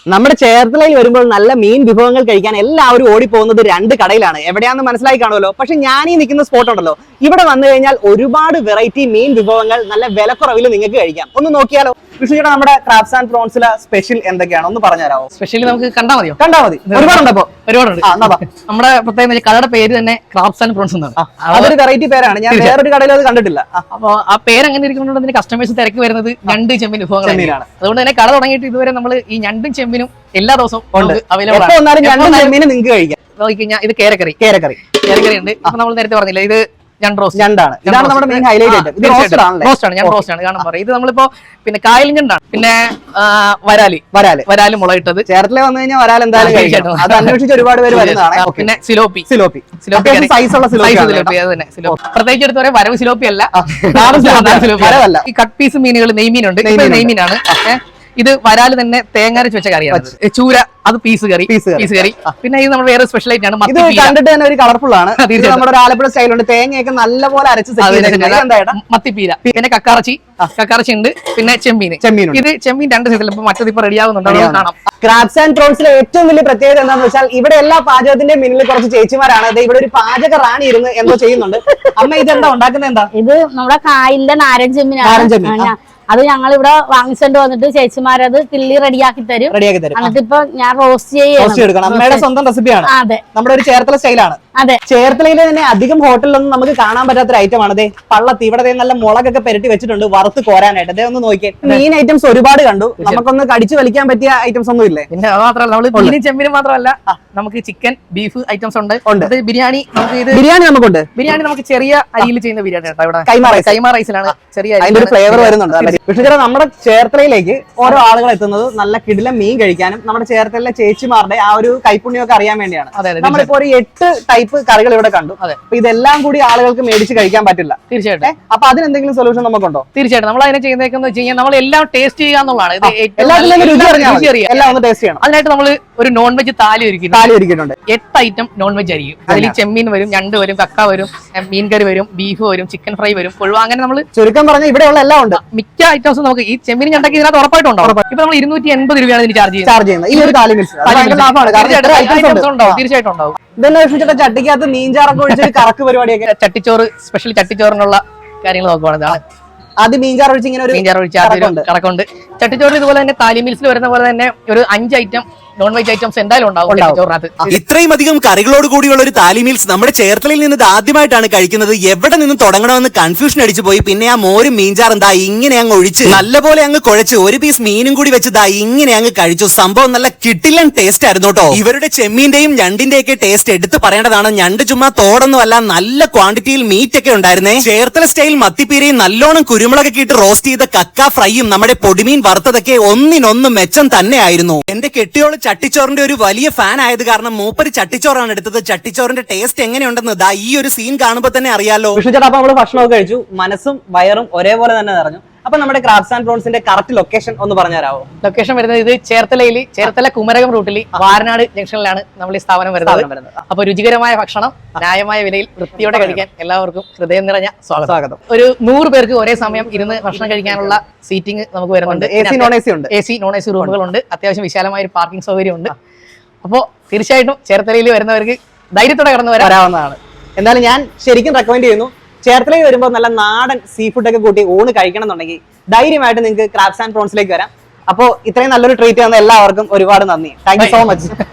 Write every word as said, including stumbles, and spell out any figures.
നമ്മുടെ ചേർത്തലയിൽ വരുമ്പോൾ നല്ല മീൻ വിഭവങ്ങൾ കഴിക്കാൻ എല്ലാവരും ഓടിപ്പോകുന്നത് രണ്ട് കടയിലാണ്. എവിടെയാണെന്ന് മനസ്സിലായി കാണുമല്ലോ. പക്ഷെ ഞാൻ ഈ നിൽക്കുന്ന സ്പോട്ട് ഉണ്ടല്ലോ, ഇവിടെ വന്നു കഴിഞ്ഞാൽ ഒരുപാട് വെറൈറ്റി മീൻ വിഭവങ്ങൾ നല്ല വിലക്കുറവിൽ നിങ്ങൾക്ക് കഴിക്കാം. ഒന്ന് നോക്കിയാലോ വിഷ്ണുചേട്ടാ, നമ്മുടെ ക്രാബ്സ് ആൻഡ് പ്രോൺസിലെ സ്പെഷ്യൽ എന്തൊക്കെയാണ് ഒന്ന് പറഞ്ഞുതരാമോ? സ്പെഷ്യലി നമുക്ക് കണ്ടാ മതിയോ? കണ്ടാ മതി, ഒരുപാടുണ്ട്. അപ്പൊ ഒരുപാടുണ്ട്. നമ്മുടെ പ്രത്യേക കടയുടെ പേര് തന്നെ ക്രാബ്സ് ആൻഡ് പ്രോൺസ് എന്നാണ്. അതൊരു വെറൈറ്റി പേരാണ്, ഞാൻ വേറൊരു കടയിൽ അത് കണ്ടിട്ടില്ല. അപ്പൊ ആ പേര് അങ്ങനെ ഇരിക്കുന്നതുകൊണ്ട് കസ്റ്റമേഴ്സ് തിരക്ക് വരുന്നത് ഞണ്ട് ചെമ്പിൻ വിഭവങ്ങളാണ്. അതുകൊണ്ട് തന്നെ കട തുടങ്ങിയിട്ട് ഇതുവരെ നമ്മൾ ഈ ഞണ്ടും ചെമ്പിനും എല്ലാ ദിവസവും അവൈലബിൾ ആണ്. നിങ്ങൾക്ക് കഴിക്കാം. നോക്കിക്കഴിഞ്ഞാൽ ഇത് കേരക്കറി കേരക്കറി കേരക്കറി ഉണ്ട്. അപ്പൊ നമ്മൾ നേരത്തെ പറഞ്ഞില്ല, ഇത് ഞണ്ട് റോസ്റ്റ് ഞണ്ടാണ്. ഇതാണ് നമ്മുടെ മെയിൻ ഹൈലൈറ്റ്. റോസ്റ്റ് ആണ്, ഞണ്ട് റോസ്റ്റ് ആണ്. കാണാൻ പറയും ഇത് നമ്മളിപ്പോ പിന്നെ കായൽ ഞണ്ടാണ്. പിന്നെ വരാലി വരാല് വരാല് മുളയിട്ടത്. ചേർത്തല വന്നു കഴിഞ്ഞാൽ വരാൽ എന്തായാലും കഴിക്കണം. അത് അന്വേഷിച്ച് ഒരുപാട് പേര് വരുന്നതാണ്. പിന്നെ സിലോപ്പി സിലോപ്പി സിലോപ്പി സൈസുള്ള സിലോപ്പി അത് തന്നെ സിലോപ്പി. പ്രത്യേകിച്ച് എടുത്ത് പറയാം, വരവ് സിലോപ്പി അല്ല, വരവല്ല. ഈ കട്ട് പീസ് മീനുകൾ നെയ്മീനുണ്ട്, നെയ്മീനാണ്. ഇത് വരാല് തന്നെ തേങ്ങ അരച്ച് വെച്ച കറിയാണ്. ചൂര അത് പീസ് കറി പീസ് കറി. പിന്നെ ഇത് നമ്മൾ വേറെ സ്പെഷ്യൽ ആയിട്ട് ആണ്. ഇത് കണ്ടിട്ട് തന്നെ ഒരു കളർഫുൾ ആണ്. നമ്മുടെ ആലപ്പുഴ സ്റ്റൈലുണ്ട്, തേങ്ങയൊക്കെ നല്ലപോലെ അരച്ച് മത്തിപ്പീര. പിന്നെ കക്കാറച്ചി കക്കാറച്ചി ഉണ്ട്. പിന്നെ ചെമ്മീൻ ചെമ്മീൻ ഇത് ചെമ്മീൻ രണ്ട് സൈസിൽ ഇപ്പൊ മറ്റത് ഇപ്പൊ റെഡി ആവുന്നുണ്ടോ കാണാം. ക്രാബ്സ് ആൻഡ് പ്രോൺസിലെ ഏറ്റവും വലിയ പ്രത്യേകത എന്താണെന്ന് വെച്ചാൽ ഇവിടെ എല്ലാ പാചകത്തിന്റെ മുന്നിൽ കുറച്ച് ചേച്ചിമാരാണ്. അത് ഇവിടെ ഒരു പാചക റാണി ഇരുന്ന് എന്തോ ചെയ്യുന്നുണ്ട്. അമ്മ ഇതെന്താ ഉണ്ടാക്കുന്നത്? എന്താ ഇത്? നമ്മുടെ കായലിന്റെ നാരൻ ചെമ്മീനാണ്. അത് ഞങ്ങൾ ഇവിടെ വാങ്ങിച്ചോണ്ട് വന്നിട്ട് ചേച്ചിമാരത് കിള്ളി റെഡിയാക്കി തരും. റെഡിയാക്കി തരും. എന്നിട്ട് ഇപ്പൊ ഞാൻ റോസ്റ്റ് ചെയ്യണം. അമ്മയുടെ സ്വന്തം റെസിപ്പിയാണ്. അതെ, നമ്മുടെ ഒരു ചേർത്തല സ്റ്റൈലാണ്. അതെ, ചേർത്തലയിലെ തന്നെ അധികം ഹോട്ടലിലൊന്നും നമുക്ക് കാണാൻ പറ്റാത്തൊരു ഐറ്റം ആണ്. അതെ, പള്ളത്തി ഇവിടെ നല്ല മുളകൊക്കെ പെരട്ടി വെച്ചിട്ടുണ്ട് വറുത്ത് കോരാനായിട്ട്. അതേ ഒന്ന് നോക്കിയേ. മീൻ ഐറ്റംസ് ഒരുപാട് കണ്ടു. നമുക്കൊന്ന് കടിച്ചു വലിക്കാൻ പറ്റിയ ഐറ്റംസ് ഒന്നും ഇല്ലേ? പിന്നെ അത് മാത്രമല്ല, നമ്മള് ചെമ്മീനും മാത്രമല്ല, നമുക്ക് ചിക്കൻ ബീഫ് ഐറ്റംസ് ഉണ്ട്. ബിരിയാണി നമുക്ക് ഇത് ബിരിയാണി നമുക്കുണ്ട്. ബിരിയാണി നമുക്ക് ചെറിയ അരിയിൽ ചെയ്യുന്ന ബിരിയാണി കേട്ടോ. ഇവിടെ കൈമാ റൈസ് കൈമാ റൈസിലാണ് ചെറിയ അതിന്റെ ഒരു ഫ്ലേവർ വരുന്നുണ്ട്. പക്ഷേ നമ്മുടെ ചേർത്തലയിലേക്ക് ഓരോ ആളുകൾ എത്തുന്നത് നല്ല കിടിലം മീൻ കഴിക്കാനും നമ്മുടെ ചേർത്തലയിലെ ചേച്ചിമാരുടെ ആ ഒരു കൈപ്പുണ്യമൊക്കെ അറിയാൻ വേണ്ടിയാണ്. നമ്മളിപ്പോ ഒരു എട്ട് ടൈപ്പ് കറികൾ ഇവിടെ കണ്ടു. അപ്പൊ ഇതെല്ലാം കൂടി ആളുകൾക്ക് മേടിച്ച് കഴിക്കാൻ പറ്റില്ല. തീർച്ചയായിട്ടും. അപ്പൊ അതിനെന്തെങ്കിലും സൊല്യൂഷൻ നമുക്കുണ്ടോ? തീർച്ചയായിട്ടും. നമ്മൾ അതിനെ ചെയ്യുന്നതെന്ന് വെച്ച് കഴിഞ്ഞാൽ നമ്മൾ എല്ലാം ടേസ്റ്റ് ചെയ്യുക എന്നുള്ളതാണ്. എല്ലാം ഒന്ന് ടേസ്റ്റ് ചെയ്യണം. അതിനായിട്ട് നമ്മൾ ഒരു നോൺ വെജ് താലി ഒരുക്കി താലി ഒരുക്കിയിട്ടുണ്ട്. എട്ട് ഐറ്റം നോൺ വെജ് ആയിരിക്കും. അതിൽ ചെമ്മീൻ വരും, ഞണ്ട് വരും, കക്ക വരും, മീൻ കറി വരും, ബീഫ് വരും, ചിക്കൻ ഫ്രൈ വരും, കൊഴുവ. അങ്ങനെ നമ്മൾ ചുരുക്കം പറഞ്ഞാൽ ഇവിടെയുള്ള എല്ലാം ഉണ്ട്. മിക്ക ഐറ്റംസും നമുക്ക് ഈ ചെമ്മീൻ ഞണ്ടൊക്കെ ഇതിനകത്ത് ഉറപ്പായിട്ടുണ്ടാവും. ഇപ്പൊ നമ്മൾ ഇരുന്നൂറ്റി എൺപത് രൂപയാണ് ഇതിന് ചാർജ് ചാർജ് ചെയ്യുന്നത്. ഈ ഒരു താലി മിൽസ് തീർച്ചയായിട്ടും ഉണ്ടാവും. ഇതെന്നെ ചട്ടിക്കകത്ത് മീൻചാറൊക്കെ ഒഴിച്ച് കറക്ക് പരിപാടിയൊക്കെ. ചട്ടിച്ചോറ്, സ്പെഷ്യൽ ചട്ടിച്ചോറിനുള്ള കാര്യങ്ങൾ നോക്കുവാണ്. അത് മീൻചാർ ഒഴിച്ച് ഇങ്ങനെ മീൻചാർ ഒഴിച്ച് കറക്കുണ്ട്. ചട്ടിച്ചോറ് ഇതുപോലെ തന്നെ താലി മിൽസിൽ വരുന്ന പോലെ തന്നെ ഒരു അഞ്ച് ഐറ്റം നോൺ വെജ് ഐറ്റംസ് എന്തായാലും ഉണ്ടാവും. ഇത്രയും അധികം കറികളോട് കൂടിയുള്ള ഒരു താലി മീൽസ് നമ്മുടെ ചേർത്തലയിൽ നിന്ന് ആദ്യമായിട്ടാണ് കഴിക്കുന്നത്. എവിടെ നിന്ന് തുടങ്ങണമെന്ന് കൺഫ്യൂഷൻ അടിച്ചു പോയി. പിന്നെ ആ മോരും മീൻചാർ എന്താ ഇങ്ങനെ അങ്ങ് ഒഴിച്ച് നല്ലപോലെ അങ്ങ് കുഴച്ച് ഒരു പീസ് മീനും കൂടി വെച്ചതാ ഇങ്ങനെ അങ്ങ് കഴിച്ചു. സംഭവം നല്ല കിട്ടില്ലൻ ടേസ്റ്റ് ആയിരുന്നു കേട്ടോ. ഇവരുടെ ചെമ്മീന്റെയും ഞണ്ടിന്റെ ഒക്കെ ടേസ്റ്റ് എടുത്ത് പറയേണ്ടതാണ്. ഞണ്ട് ചുമ്മാ തോടൊന്നും അല്ല, നല്ല ക്വാണ്ടിറ്റിയിൽ മീറ്റ് ഒക്കെ ഉണ്ടായിരുന്നേ. ചേർത്തല സ്റ്റൈൽ മത്തിപ്പീരയും നല്ലോണം കുരുമുളകൊക്കെ ഇട്ട് റോസ്റ്റ് ചെയ്ത കക്ക ഫ്രൈയും നമ്മുടെ പൊടിമീൻ വറുത്തതൊക്കെ ഒന്നിനൊന്നും മെച്ചം തന്നെയായിരുന്നു. എന്റെ കെട്ടിയോള് ചട്ടിച്ചോറിന്റെ ഒരു വലിയ ഫാൻ ആയത് കാരണം മൂപ്പര് ചട്ടിച്ചോറാണ് എടുത്തത്. ചട്ടിച്ചോറിന്റെ ടേസ്റ്റ് എങ്ങനെയുണ്ടെന്ന് ദാ ഈ ഒരു സീൻ കാണുമ്പോൾ തന്നെ അറിയാലോ. വിഷ്ണുചേട്ടാ, അപ്പൊ നമ്മള് ഭക്ഷണമൊക്കെ കഴിച്ചു, മനസ്സും വയറും ഒരേപോലെ തന്നെ നിറഞ്ഞു. അപ്പൊ നമ്മുടെ ക്രാബ്സ് ആൻഡ് പ്രോൺസിന്റെ കറക്റ്റ് ലൊക്കേഷൻ ഒന്ന് പറഞ്ഞുതരാമോ? ലൊക്കേഷൻ വരുന്നത് ഇത് ചേർത്തലയിൽ ചേർത്തല കുമരകം റൂട്ടിൽ വാരനാട് ജംഗ്ഷനിലാണ് നമ്മൾ ഈ സ്ഥാപനം വരുന്നത്. അപ്പൊ രുചികരമായ ഭക്ഷണം ന്യായമായ വിലയിൽ വൃത്തിയോടെ കഴിക്കാൻ എല്ലാവർക്കും ഹൃദയം നിറഞ്ഞ സ്വാഗതം. ഒരു നൂറ് പേർക്ക് ഒരേ സമയം ഇരുന്ന് ഭക്ഷണം കഴിക്കാനുള്ള സീറ്റിംഗ് നമുക്ക് വരുന്നുണ്ട്. A C non A C ഉണ്ട്. A C non A C റൂമുകളുണ്ട്. അത്യാവശ്യം വിശാലമായ ഒരു പാർക്കിംഗ് സൗകര്യം ഉണ്ട്. അപ്പോൾ തീർച്ചയായിട്ടും ചേർത്തലയിൽ വരുന്നവർക്ക് ധൈര്യത്തോടെ കടന്നു വരാവുന്നതാണ്. എന്തായാലും ഞാൻ ശരിക്കും റെക്കമെൻഡ് ചെയ്യുന്നു. ചേർത്തലയിൽ വരുമ്പോൾ നല്ല നാടൻ സീ ഫുഡ് ഒക്കെ കൂട്ടി ഊണ് കഴിക്കണം എന്നുണ്ടെങ്കിൽ ധൈര്യമായിട്ട് നിങ്ങൾക്ക് ക്രാബ്സ് ആൻഡ് പ്രോൺസിലേക്ക് വരാം. അപ്പോൾ ഇത്രയും നല്ലൊരു ട്രീറ്റ് തന്ന എല്ലാവർക്കും ഒരുപാട് നന്ദി. Thank you so much.